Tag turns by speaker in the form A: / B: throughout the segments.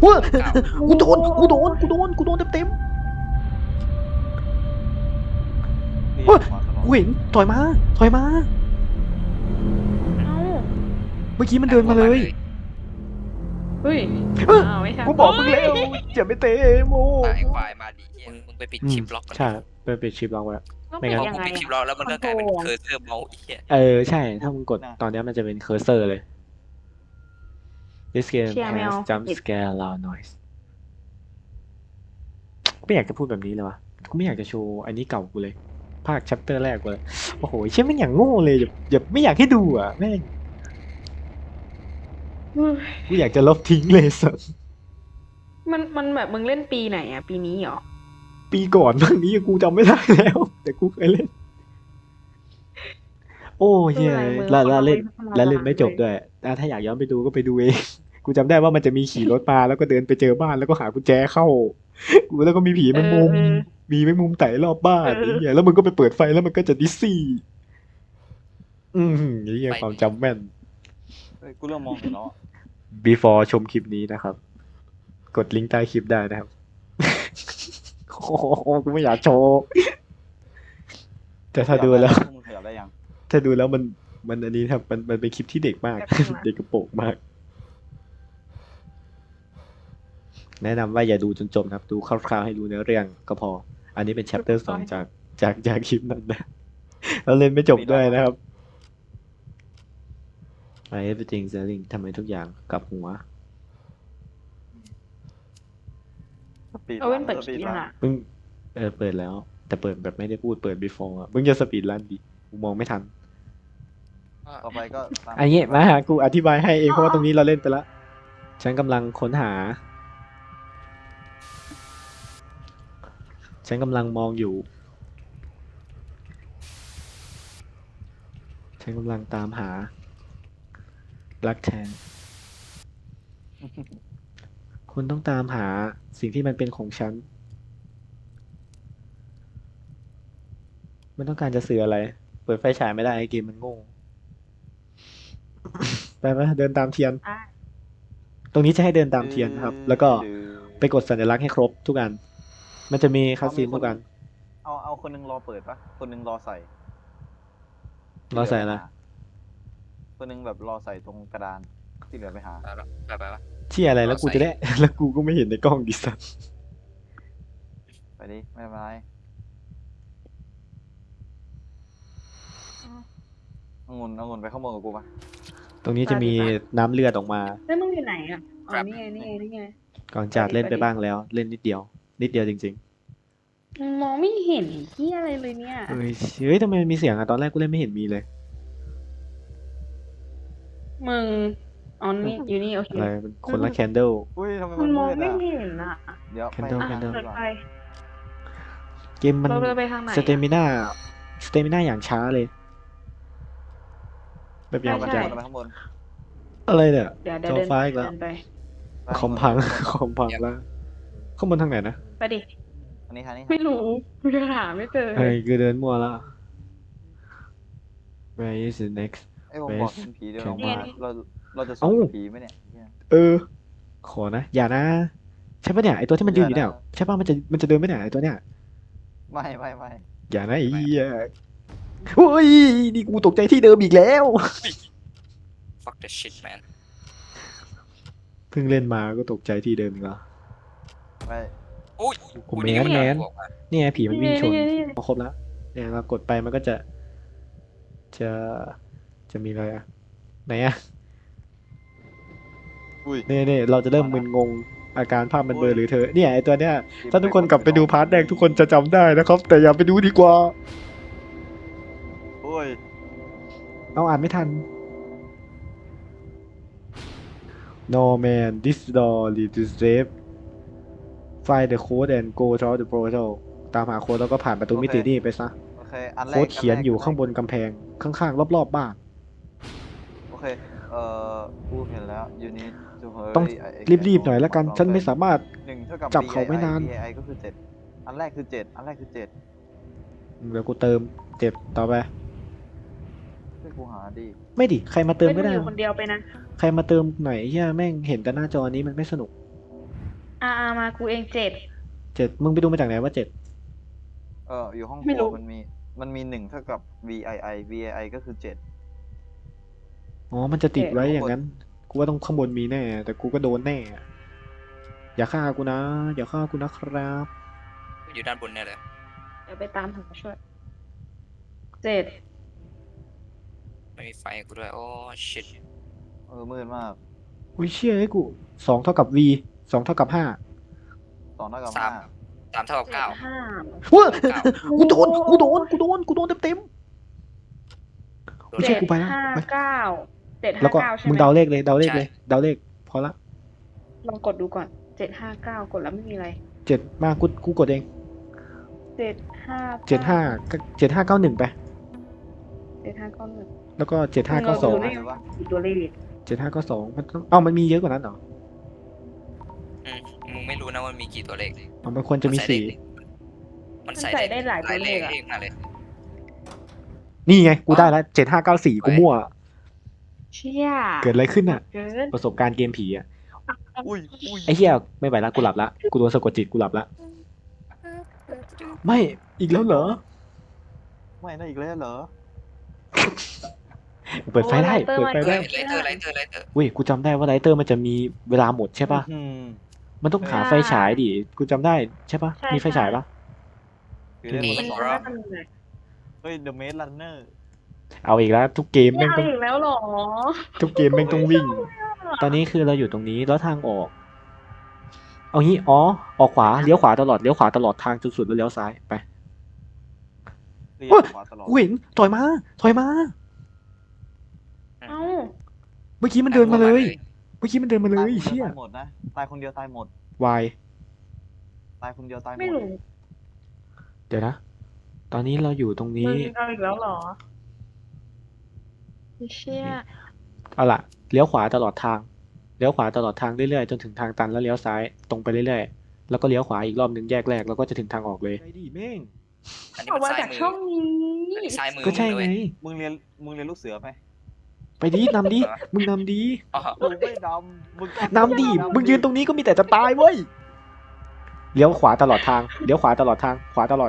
A: ว้า
B: เก่า
A: กูโดนเต็มๆว้ากูเห็นถอยมา
C: เอ้า
A: เมื่อกี้มันเดินมาเลย
C: เฮ้ย
A: เอ้ย
C: อ้าวไม่ทัน
A: กูบอกมึงแล้วอย่าไปเตะโม
B: ตายควายมาดิมึงไปปิดชิปล็อกก่อน
A: ใช่เป็นปิดชิปล็อกไว้
C: ต้อง
A: ไม่
C: ปิด
A: งั้น
C: ยัง
B: กู
C: ไง
B: ปิดชิป
C: อะ
B: ล็อกแล้วมันก็กลายเป็นเคอร์เซอร์เมาส์ไอ้เหี้ย
A: ใช่ถ้ามึงกดตอนนี้มันจะเป็นเคอร์เซอร์เลย This game
C: เชียร์แมว
A: has jump scare loud noise ไม่อยากจะพูดแบบนี้เลยวะกูไม่อยากจะโชว์อันนี้เก่ากูเลย ภาค chapter แรกกูเลยโอ้โหเชี่ยแม่งอย่างโง่เลยอย่าไม่อยากให้ดูอ่ะแม่ง
C: เฮ้ย
A: กูอยากจะลบทิ้งเลยสัส
C: มันแบบมึงเล่นปีไหนอะปีนี้เหรอ
A: ปีก่อนเรื่องนี้กูจำไม่ได้แล้ว แต่กูเคยเล่น โอ้เฮียแล้วเล่นไม่จบด้วยถ้าอยากย้อนไปดูก็ไปดูเอง กูจำได้ว่ามันจะมีขี่รถมาแล้วก็เดินไปเจอบ้านแล้วก็หากุญแจเข้า กูแล้วก็มีผีแมงมุม มีแมงมุมไต่รอบบ้านไอ้เหี้ยแล้วมึงก็ไปเปิดไฟแล้วมันก็จะดิสซี่ ไอ้เหี้ยความจำแม่น
D: กูเริ่มมองเห็นแล้ว
A: before ชมคลิปนี้นะครับ กดลิงก์ใต้คลิปได้นะครับ โอ้โหกูไม่อยากโชว์ แต่ถ้าดูแล้ว
D: มึงขยับได้ยัง
A: ถ้าดูแล้วมันอันนี้ครับมันเป็นคลิปที่เด็กมาก เด็กกระโปรงมาก แนะนำว่าอย่าดูจนจบนะครับ ดูคร่าวๆให้รู้เนื้อเรื่องก็พอ อันนี้เป็น chapter 2จากคลิปนั้นนะ แล้วเล่นไม่จบด้วยนะครับ everything selling ทำไมทุกอย่างกลับหัว
C: เอาเว้นเปิดคลิปยังอะ
A: มึงเปิดแล้ว แต่เปิดแบบไม่ได้พูดเปิด before อะมึงจะสปีดรันดิกูมองไม่ทัน
D: ต่อไปก็ตาม
A: อันนี้มาหากูอธิบายให้เองเพราะว่าตรงนี้เราเล่นไปแล้ว ฉันกำลังค้นหา ฉันกำลังมองอยู่ ฉันกำลังตามหา รักแท้ คุณต้องตามหาสิ่งที่มันเป็นของฉัน มันต้องการจะสื่ออะไร เปิดไฟฉายไม่ได้ไอ้เกมมันโง่ ไปไหมเดินตามเทียน
C: อ่ะ
A: ตรงนี้จะให้เดินตามเทียนครับ แล้วก็ไปกดสัญลักษณ์ให้ครบทุกอัน มันจะมีคัสซีนทุกอัน
D: เอาคนนึงรอเปิดปะคนนึงรอใส่
A: รอใส่อะไร
D: คนนึงแบบรอใส่ตรงกระดานที่เหลือไปหา
B: ไปวะ
A: ที่อะไรแล้วกูจะได้ แล้วกูก็ไม่เห็นในกล้องดิสัน
D: ไปดิไม่เป็นไรเอางุนไปข้างบนกับกูปะ
A: ตรงนี้จะมีน้ำเลือดออกมา
C: แล้วมึงอยู่ไหนอะอ๋อนี่ไง
A: ก่อนจากเล่นไปบ้างแล้ว เล่นนิดเดียว นิดเดียวจริง
C: มึงมองไม่เห็นเหี้ยอะไรเลยเนี่ย
A: ๆเฮ้ยทำไมมันมีเสียงอะตอนแรกกูเล่นไม่เห็นมีเลย
C: มึงอ๋อนี่อยู่นี่โอเค
A: อะไรมันคนละแคนเดล
D: อุ้ยทำไม
C: มั
D: มัน น
C: มอง
D: มืด
C: ไม่
D: อ่ะ
C: เห็นอะ
D: เดี๋ยว
A: Candle
C: อ่ะ
A: Candle
C: เปิดไฟ
A: เกมมัน
C: เราเดินไปทางไหน
A: สเตมิน่าอย่างช้าเลย แบบอย่าง
D: ไป
C: ใช่
D: ข้างบน
A: อะไรเนี่ย
C: เดี๋ยว
A: จอ
C: เดิน
A: ฟ้าอีกแล้ว
C: เดินไป
A: คอมพัง คอมพังแล้วข้างบนทางไหนนะ
C: ไปดิ
D: อันนี้
C: ไม่รู้กูจะหาไม่เจอ
A: เฮ้ยคือเดินมั่วแล้ว Where is the next
D: ไอ้ผมบอกเห็นผีเดียว
A: นี่ไง
D: เราจะสู้กับผีไหมเนี่ย
A: ขอนะ อย่านะ ใช่ปะเนี่ยไอตัวที่มันยืนอยู่เนี่ยใช่ปะมันจะเดินไม่ไหนไอตัวเนี่ย
D: ไม่
A: อย่านะไอ้เหี้ยโอ้ยนี่กูตกใจที่เดิมอีกแล้ว
B: fuck the shit man
A: เพิ่งเล่นมาก็ตกใจที่เดิมอีกแล้ว
D: ไม่
B: อุ้ย
A: ผมแมนนี่ไงผีมันวิ่งชนพอครบแล้วเนี่ยเรากดไปมันก็จะมีอะไรอะไหนอะ
D: อุ้ย
A: เนี่ยเราจะเริ่มมึนงงอาการภาพมันเบลอหรือเธอเนี่ยไอตัวเนี้ยถ้าทุกคนกลับไปดูพาร์ทแรกทุกคนจะจำได้นะครับ แต่อย่าไปดูดีกว่า
D: โอ้ย
A: เอาอ่านไม่ทัน No man this door leads to safe find the code and go through the portal ตามหาโค้ดแล้วก็ผ่านประตูมิตินี่ไปซะ
D: โอเคอันแรก
A: โค้ดเขียนอยู่ข้างบนกำแพงข้างๆรอบๆบ้าน
D: โอเคกูเห็นแล้ว you need to hurry
A: ต้องรีบๆหน่อยแล้วกัน ฉันไม่สามารถ
D: 1 เท่ากับ
A: จับเขาไม่นาน
D: BAI ก็คือ7อันแรกคือ7
A: เดี๋ยวกูเติมเจ็บต่อไป
D: ช่วยกูหาดิ
A: ไม่ดิใครมาเติม
C: ไม่
A: ก็
C: ต้อง
A: ได้
C: อยู่คนเดียวไปนะ
A: ใครมาเติมไหนเฮียแม่งเห็นแต่หน้าจอนี้มันไม่สนุก
C: มากูเอง7
A: 7มึงไปดูมาจากไหนว่า7
D: อยู่ห้องค
C: ไม่
D: รั
C: รู้
D: วมันมี1เท่ากับ VII ก็คือ7
A: อ๋อมันจะติดไว้อย่างนั้นกูว่าต้องข้างบนมีแน่แต่กูก็โดนแน่อย่าฆ่ากูนะอย่าฆ่ากูนะครับ
B: อยู่ด้านบนเนี่ยเลย
C: เดี๋ยวไปตามหาช่วย7
B: ไม่มีไฟให้กูด้วยโอ้ชิต
D: มืดมาก
A: อุ้ยเชี่ยให้กู2เท่ากับ v 2เท่ากับ5
D: 2เท่ากับ
B: 3 3 เท่ากับ 9
C: 5
A: ว้า
B: 9
A: กูโดนเต็มไม่ใช่กูไปแล้ว
C: 7
A: ไป
C: 5 9 7
A: แล้วก็
C: 5 9ใช่ไห
A: มึ
C: ม
A: งเดาเลขเลยเดาเลขเลยเดาเลขพอละ
C: ลองกดดูก่อน759กดแล้วไม่มีอะไร
A: 7มากูกดเอง
C: 7 5
A: 7591ไป
C: 7591
A: แล้วก็
C: เราดู
A: 7592
C: ได้กี่ตัวเลข
A: 7592มันต้องมันมีเยอะกว่านั้นเหรอ
B: มึงไม่รู้นะว่ามีกี่ตัวเลข
A: มันควรจะมีสี่
B: มันใส่ได้หลายเลขเองมาเลย
A: นี่ไงกูได้แล้ว7594กูมั่ว
C: เชี่ย
A: เกิดอะไรขึ้นอ่ะ
C: เกิน
A: ประสบการณ์เกมผีอ่ะ
D: อุ้ย
A: ไอ้เหี้ยไม่ไหวละกูหลับละกูโดนสะกดจิตกูหลับละไม่อีกแล้วเหรอ
D: ไม่นะอีกแล้วเหรอ
A: เปิดไฟได้เปิดไฟได้
B: ไลเตอร์
A: เว้ยกูจำได้ว่าไลเตอร์มันจะมีเวลาหมดใช่ปะ
D: อืม
A: มันต้องหาไฟฉายดิกูจำได้ใช่ปะมีไฟฉายปะ
D: คือเล่น
C: มัน
D: หมด
C: น่าจะมีไหน
D: เฮ้ย The Maze Runner
A: เอาอีกแล้วทุกเกม
C: ไม่
A: แม่ง
C: เอา
A: ต้อง
C: อีกแล้วเหรอ
A: ทุกเกมแม่งต้องวิ่ง ตอนนี้คือเราอยู่ตรงนี้แล้วทางออก เอางี้อ๋อออกขวาเลี้ยวขวาตลอดเลี้ยวขวาตลอดทางจนสุดแล้วเลี้ยวซ้ายไป
D: เรีย
A: โอ้ย
D: กมาตลอด
A: กูเห็นถอยมาเ
C: เอ้า
A: มื่อกี้มันเดินมาเลยเมื่อกี้มันเดินมาเลยเชี่ย
D: ตายหมดนะตายคนเดียวตายหมด
A: วาย
D: ตายคนเดียวตายหม
C: ไม่
D: ด
C: รู้
A: เดี๋ยวนะ ตอนนี้เราอยู่ตรง
C: มึ
A: นี้
C: งเอาอีกแล้วเหรอเชี่ย
A: เอาล่ะเลี้ยวขวาตลอดทางเลี้ยวขวาตลอดทางเรื่อยๆจนถึงทางตันแล้วเลี้ยวซ้ายตรงไปเรื่อยๆแล้วก็เลี้ยวขวาอีกรอบหนึ่งแยกแรกแล้วก็จะถึงทางออกเลยไอ้ดิแม่ง
B: อันนี้
C: ออก
B: มัน
C: มา
B: ซ้าย
C: จาก
B: มือ
C: ช่องนี้
B: อันนี้ซ้ายมือ
A: ก็ใช่ไง
D: มึงเรียนลูกเสือไหม
A: ไปดินำดิมึงนำดิ
B: อ๋อ
D: กูไม่ดำมึง
A: นำดิมึงยืนตรงนี้ก็มีแต่จะตายเว้ยเลี้ยวขวาตลอดทางเลี้ยวขวาตลอดทางขวาตลอด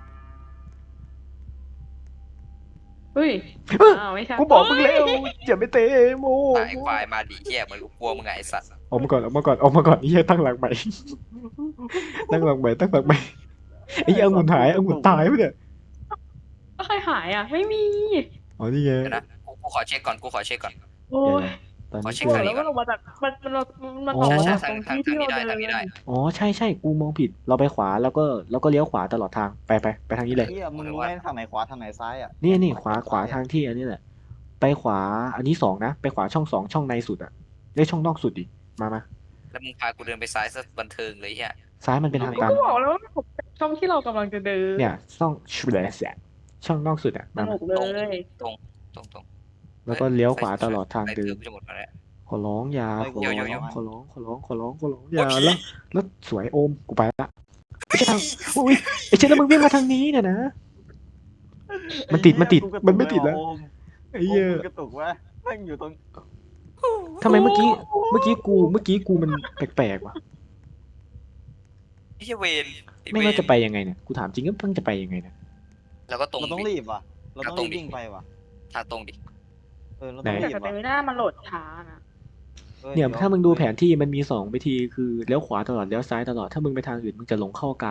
C: เฮ้ย
A: เอ้ย
C: อ้าวไม่ใช่
A: กูบอกมึงแล้วอย่าไปเตะโม
B: ตายควายมาดิเหี้ยเหมือนกูกลัวมึงไงไอ้สัตว์
A: ออกมาก่อนเฮียตั้งหลักใหม่ตั้งหลักใหม่ไอ้เหี้ยองุ่นหายองุ่นตายปะเนี่ย
C: ก็ใครหายอ่ะ ไม่มี
A: อ๋อนี่ไง
B: เดี๋ยวนะกูขอเช็คก่อน
C: โอ้ย
A: ตอน
B: ขอ
A: นี้
B: เช็ค
A: คือ
B: ทาง
C: แล้ว
B: นี้ก่
C: มั
B: อน
C: นออกมาจากมันออก
A: อ๋อ
C: มา
B: ใช่
C: จาก
B: ทาง
C: ตรง
B: ทาง
C: ที่
B: ทาง
C: ที่
B: นี้
C: เรา
B: ได้
C: เดิ
B: ทางนี้ได้
C: น
A: อ๋อใช่กูมองผิดเราไปขวาแล้วก็เลี้ยวขวาตลอดทางไปทางนี้เลย
D: เฮียมึงรู้ไหมทางไหนขวาทางไหนซ้ายอ่ะ
A: นี่ขวาทางที่อันนี้แหละ ไปขวาอันนี้2นะไปขวาช่อง2ช่องในสุดอะได้ช่องนอกสุดดิมา
B: แล้วมึงพากูเดินไปซ้ายซะบันเทิงเลยเหี้ย
A: ซ้ายมันเป็นทาง
C: ก็
A: ตัน
C: บอกแล้วว่าผมช่องที่เรากำลังจะเดิน
A: เนี่ยช่องนอกสุดอะ
C: ส
A: มา
C: นุกเลย
B: ตรง
A: แล้วก็เลี้ยวขวาตลอดทางเดิน
B: จะหมดแล้ว
A: ขอร้องอย่าขอ
B: เดี๋
A: ร้
B: ยว
A: องอย่าแล้วสวยโอมกูไปละไม่ใช่ทางอุ้ยไอ้เช่นแล้วมึงวิ่งมาทางนี้เนี่ยนะ มันติดมันไม่ติดแล้วไอ้
D: ไอ้
A: เหี้ย
D: กระตุกวะแม่งอยู่ตรง
A: ทำไมเมื่อกี้กูมันแปลกๆวะ
B: ไอ้เหี้ยเวน
A: ไม่ว่าจะไปยังไงเนี่ยกูถามจริงก็ต้องจะไปยังไงเนี่ย
B: แล้วก็ตรง
D: เราต้องรีบว่ะเราต้องรีบวิ่งไปว่ะ
B: ทางตรงดิ
D: เราต้อง
C: แต่
D: รีบ
C: สเต
D: ว่ะ
C: มิน่ามันโหลดช้านะ
A: เนี่ยถ้ามึงดูแผนที่มันมี2วิธีคือเลี้ยวขวาตลอดเลี้ยวซ้ายตลอดถ้ามึงไปทางอื่นมึงจะหลงเข้ากลาง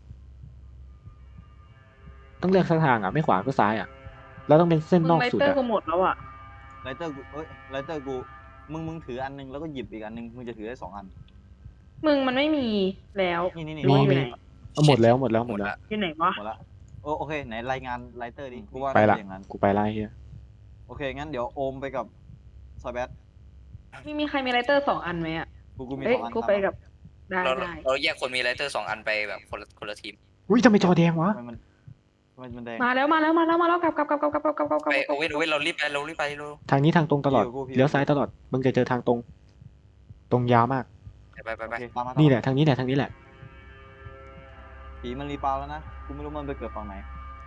A: ต้องเลือกสักทางอ่ะไม่ขวาก็ซ้ายอ่ะแล้วต้องเป็นเส้น
C: มึง
A: นอก
C: ไล
A: สุด
C: เตอร์
A: อ่ะ
C: กูหมดแล้วอ่ะ
D: ไลเตอร์กูมึงถืออันนึงแล้วก็หยิบอีกอันนึงมึงจะถือได้2อัน
C: มึงมันไม่มีแล้ว
D: นี่
C: หรือว่าอยู่ไหน
A: เอาหมดแล้ว
B: หมดละ
C: อยู่ไหนวะ
D: หมดละโอเคไหนรายงานไลเตอร์ดิกูว่า
A: ไปละ
D: อย่างนั้น
A: กูไปไล่เฮีย
D: โอเคงั้นเดี๋ยวโอมไปกับซอยแบท
C: มีใครมีไลเตอร์2 อันไหมอ่ะ
D: กูมี
C: เอ้ย
D: 2อัน
C: กูไปกับได้
B: เราแยกคนมีไลเตอร์2 อันไปแบบคนละทีม
A: อุ้ยทำไมจอแดงวะ
D: ทำไมมันแดง
C: มาแล้วกลับ
B: ไปโอเว่นเรารีบไปเรา
A: ทางนี้ทางตรงตลอด
D: พี่
A: เลี้ยวซ้ายตลอดมึงจะเจอทางตรง ตรงยาวมาก
B: ไป
D: โอเคตามมา
A: นี่แหละทางนี้แหละ
D: ผีมันรีปาวแล้วนะกูไม่รู้มันไปเกิดฝั่งไหน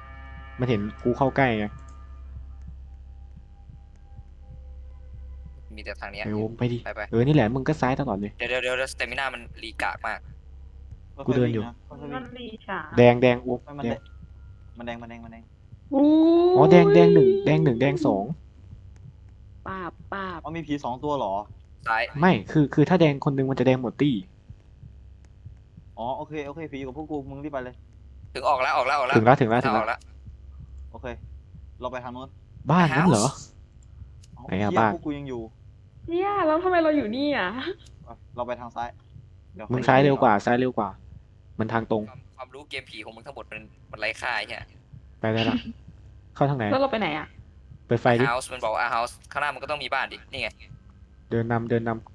A: มันเห็นกูเข้าใกล้ไง
B: มีแต่ทางเนี้ย
A: ไอ้โอมไปดิ
B: ไป
A: นี่แหละมึงก็ซ้ายตลอดเลย
B: เดี๋ยวสเตมิน่ามันรีกากมาก
A: กูเดินอยู่
D: ค่อยๆ
C: มั
D: วิ่
C: น
D: ง
C: ดีฉา
A: แดงโอม
D: ไม่มัน
A: แด
D: แด
A: ง
D: งมันแดงมันแดงมันแดง
C: อู้
A: อ๋อแดงหนึ่งแดงสอง
C: ปาบ
D: อ๋อมีผี2 ตัวเหรอ
B: ซ้าย
A: ไม่คือถ้าแดงคนหนึงมันจะแดงหมดตี้
D: อ๋อโอเคผีอยู่กับพวกกูมึงรีบไปเลย
B: ถึงออกแล้ว
A: ถึงแล้ว
B: ทางออกแล้ว
D: โอเค เราไปทางโน้น
A: บ้านนั้นเหรอ
D: อ๋อ
A: ไหนอะ
D: เหี้ย
A: บ้าน
D: พวกกูยังอยู่
C: เนี่ยแล้วทำไมเราอยู่นี่อ่ะ
D: เราไปทางซ้ายเดี๋ยว
A: มึงซ้ายเร็วกว่า มันทางตรง
B: ความรู้เกมผีของมึงทั้งหมดมันไร้ค่าใช่ไหม
A: ไปได้ละเข้าทางไหน
C: แล้วเราไปไหนอ่ะ
A: เปิดไฟดิ
B: เฮาส์มันบอกว่าเฮาส์ข้างหน้ามันก็ต้องมีบ้านดิ นี่ไง
A: เดินนำ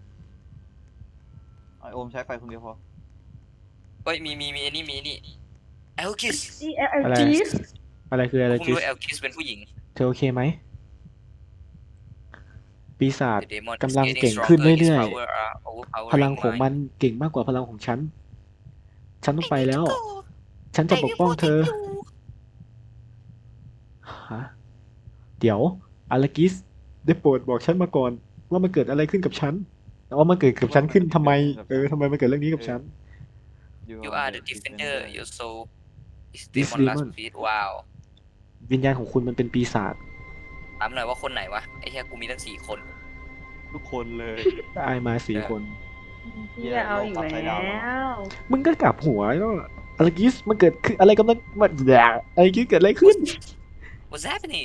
D: ไอโอมใช้ไฟคนเดียวพอ
B: เฮ้ยมีอันนี้เอลคิส
C: นี่
A: อะไร
C: LG
A: อะไรคืออะไร
B: ผม
A: จิส
B: รู้เอลคิสเป็นผู้หญิง
A: เธอโอเคไหม ปีศาจ
B: The demon is
A: กำลัง
B: getting
A: เก่งขึ้น
B: stronger. Its
A: เรื่อย
B: power are overpowering
A: พลังของ
B: mine.
A: มันเก่งมากกว่าพลังของฉัน ฉันต้องไปแล้ว ฉันจะปกป้องเธอ ฮะ เดี๋ยวอารากิส ได้โปรดบอกฉันมาก่อน ว่ามันเกิดอะไรขึ้นกับฉันว่ามันเกิดกับฉันขึ้นทำไม ทำไมมันเกิดเรื่องนี้กับฉัน
B: You are the defender. Your soul is
A: This
B: demon last
A: demon.
B: feet. Wow.
A: วิญญาณของคุณมันเป็นปีศาจ
B: ถามหน่อยว่าคนไหนวะ ไอ้เหี้ยกูมีตั้ง4 คน
D: ทุกคนเลย
A: ได้มา4 คน
C: พี่เอาอีกแล้ว
A: มึงก็กลับหัวแล้วอารากิส มันเกิดคืออะไรกำลังมันอารากิสเกิดอะไรขึ้น
B: What's happening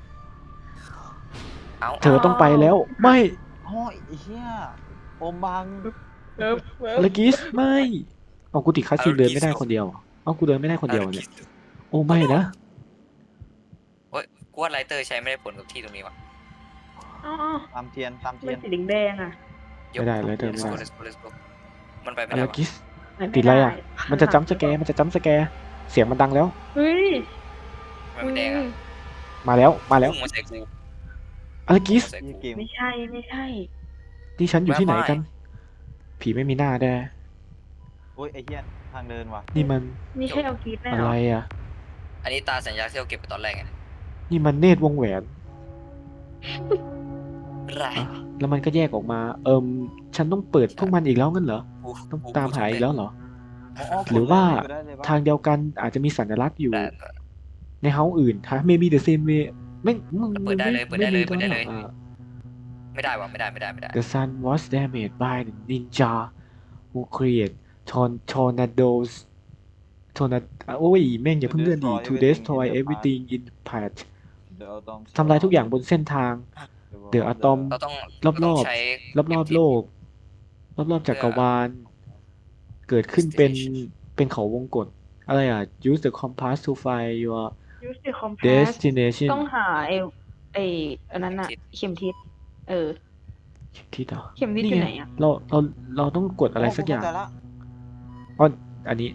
B: เอา
A: เธอต้องไปแล้ว ไม่
D: อ๋อไอ้เหี้ยโอมบัง
A: อารากิส ไม่เอากูติดคัสซีนเดินไม่ได้คนเดียวเอากูเดินไม่ได้คนเดียวเนี่ย โอ้ไม่นะ
B: กูว่าไลเตอร์ใช้ไม่ได้ผลกับที่ตรงนี้วะ
C: อ๋อ
D: ตามเทียน
C: มันสีแดงอ่ะ
A: ไม่ได้ Lighter ไม่ได้
B: Let's go มันไปไม่
A: อา
B: ได้
A: รา
B: วะ
A: กิส
C: ไม่
A: ติดอะไรอะ
C: ด้
A: มันจะจัมป์สแกร์เสียงมันดังแล้ว
C: เฮ้ย
B: มันไม่แดงอะ
A: มาแล้ว
B: พุ่งมาใส่กู
A: อารากิส
B: พุ่งมาใส่กู
D: เกม
C: ไม่ใช่
A: นี่ฉันอยู่ที่ไหนกัน
B: ไม่
A: ผีไม่มีหน้าแด้
D: โอ้ยไอ้เหี้ยทางเดินว่ะ
A: นี่มัน
C: ไม่ใช่เอากีดแน่
A: อะ
C: หร
A: ไร
C: อ
A: อ่ะ
B: อันนี้ตาสัญญาที่เราเก็บไปตอนแรกไง
A: นี่มันเนตรวงแหวน
B: ไร
A: อ่ะแล้วมันก็แยกออกมา ฉันต้องเปิดพวกมันอีกแล้วงั้นเหรอ ต้องตามหาอีกแล้วเหรอ หรือว่า
D: ได้เลยปะ
A: ทางเดียวกันอาจจะมีสัญลักษณ์อยู่
B: แต่
A: ในเฮาส์อื่นฮะ maybe the same way ไม่มึง
B: เปิดได้เลยเปิดได้เลย
A: ไม่มี
B: เปิดได้เลย
A: อ่ะ
B: ไม่ได้วะไม่ได้
A: The sun was damaged by the ninja who create tornadoes โอ้ยแม่งอย่าเพิ่งเลื่อนดิ to destroy everything in path
D: เดี๋ยวเอาตอม
A: ทำลายทุกอย่างบนเส้นทาง เดี๋ยวอะตอม
B: เราต้อง
A: รอบๆ
B: เราต้องใช้
A: รอบๆโลก รอบๆจักรวาล เกิดขึ้นเป็นเขาวงกตอะไรอ่ะ use the compass to find your
C: ยูสิคอมเพส
A: destination
C: ต้องหาอันนั้นอะเข็มทิศเออ
A: เข็มทิศเหรอ
C: เข็มทิศอยู่ไหนอะ
A: เราต้องกดอะไรสักอย่าง
D: เข้ใจละ
A: อ๋ออันนี้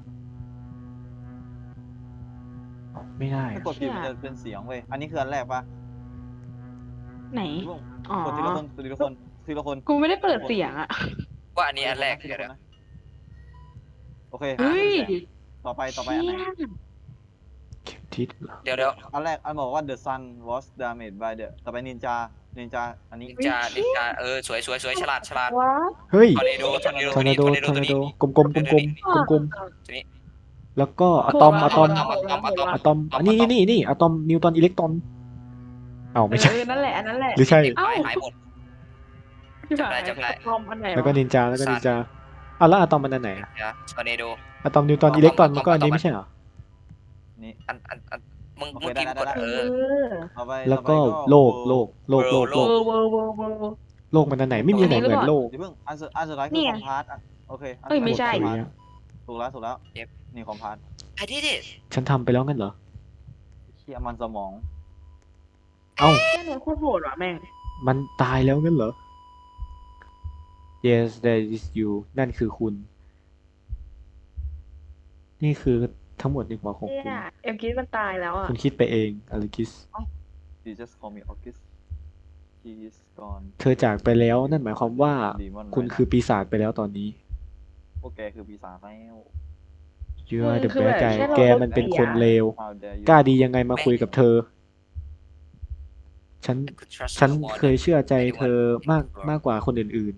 A: อ๋อไม่ได้
D: ถ้า
A: อะ
D: กดผิดมันจะเป็นเสียงเว้ย อันนี้คืออันแรกปะ
C: ไหน อ๋อ
D: กดทีละคนทีละคนทีละคน
C: กูไม่ได้เปิดเสียงอะ
B: ว่าอันนี้อันแรก
D: ที
B: เดี๋ยว
D: ละคนนะโอเค
C: เฮ้ย
D: ต่อไปอันไหน
A: เข็มทิศเหรอ
B: เดี๋ยว
D: อันแรกอันบอกว่า the sun was damaged by the ต่อไปนินจาอันนี้
B: นินจาสวยฉลาด
C: ว้า
A: เฮ้ย
B: ทอร์เนโด
A: ทอร์นาโด
B: ตัวนี้
A: กลมๆแล้วก็อะตอมอะตอมอันนี้อะตอมนิวตรอนอิเล็กตรอนเอ้าไม่ใช่
C: นั่นแหละอันนั้นแหละ
A: หรือใช่
B: หายหมด จำได้
C: คอมอันไหน
A: แล้วก็นินจาอ่ะแล้วอะตอมมันอันไหนอะ
B: ทอร์เนโด
A: อะตอมนิวตรอนอิเล็กตรอนมันก็อันนี้ไม่ใช่เหรอ
D: นี่
B: อันมึง
D: โอเค
B: เมื่อกี้
D: ได้
B: กด
C: เออ
D: ต่อไป
A: แล้วก็
D: ต่อไป
A: โลก
C: เวอร์
A: โลกมันอันไหนไม่มีอันไหนเหมือนโลก
D: เดี๋ยวเพิ่งอันสุดท้าย
C: นี่
D: คือ
C: ไง
D: คอมพาร์ตโอเค
C: เอ้ยไม่ใช่
D: ถูกแล้วนี่คอมพาร์ต
B: I did it
A: ฉันทำไปแล้วงั้นเหรอ
D: เชี่ยมันสมอง
A: เอ้า
C: แค่นี้โคตรโหดว่ะแม่ง
A: มันตายแล้วงั้นเหรอ Yes that is you นั่นคือคุณ นี่คือทั้งหมดในหัวของ
C: เนี่
A: คุณ
C: ยเอ็มคิดมันตายแล้วอ่ะ
A: คุณคิดไปเองอลิกิส
D: You just call me August He is gone
A: เธอจากไปแล้วนั่นหมายความว่า
D: Demon
A: คุณคือปีศาจไปแล้วตอนนี้
D: พวกแกคือปีศาจแล้ว
A: You are the
C: คือแบบ
A: bad guy
C: แค่เรา
A: แกมันเป็นคนเลว
D: How dare you
A: กล้าดียังไงมาคุยกับเธอฉัน
B: I could trust
A: ฉัน
B: no more
A: เคย
B: than
A: เชื่อใจเธอ
B: anyone
A: มาก
B: in the world.
A: มากกว่าคนอื่น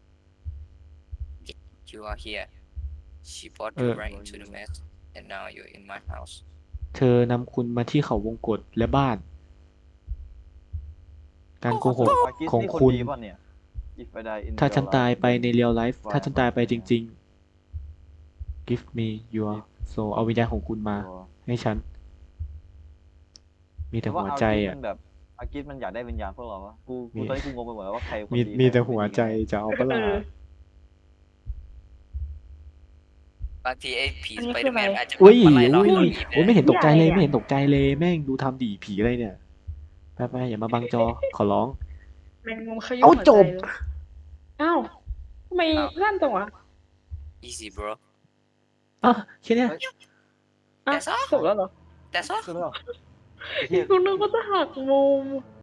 B: You are here. She brought
A: เอ
B: you
A: อ
B: right into the mess, and now you're in my house.
A: เธอนำคุณมาที่เขาวงกตและบ้าน การโกหก
D: อากิส
A: ของ
D: นี่คน
A: คุณ
D: ดีป่ะเนี่ย If I die in
A: ถ้า
D: real
A: ฉันตาย
D: life
A: ไปใน real life
D: Why
A: ถ้าฉันตายไป
D: am I
A: จริง ๆ give me your soul เอาวิญญาณของคุณมา
D: ตัว
A: ให้ฉัน มีแต่
D: แต่ว่า
A: หัว
D: อา
A: ใจ
D: กิส
A: อ่ะ
D: มันแบบอากิสมันอยากได้วิญญาณพวกเราวะกู
A: มี
D: ตอนนี้กูงงไปหมดแล้วว่าใครคน
A: มี
D: ดี
A: มี
D: ใคร
A: แต่
D: คน
A: หัว
D: ไม่ดี
A: ใจ
D: กันแน่
A: จะเอาปะล่ะ
B: บางทีไอ้ผี
C: อัน
B: ส
C: นี้
B: ไป
C: คื
B: เด
C: อ
B: อ
C: อะ
B: ร์
C: ไร
B: แมนอาจจะ
A: อุ้ย
B: มาไล่เรา
A: อุ้ย
B: ให้เราหนี
A: โอ้ยไม่เห็นตกใจเลย
C: ใหญ่อะ
A: ไม่เห็นตกใจเลยแม่งดูทำดีผีอะไรเนี่ยไปอย่ามาบังจอขอร้อง
C: แมงมุมขยุ่
A: เอา
C: มหัว
A: จ
C: ใจ
A: บ
C: เลยอ้าวทำไมลั่นจังวะ
B: easy bro
A: อ่ะแค่เนี้ย
C: อ่ะ
B: That's all
C: จบแล้วเหรอ
B: That's all
D: คือแล้วไอ้เหี้ย
C: กูนึกว่าจะหักมุม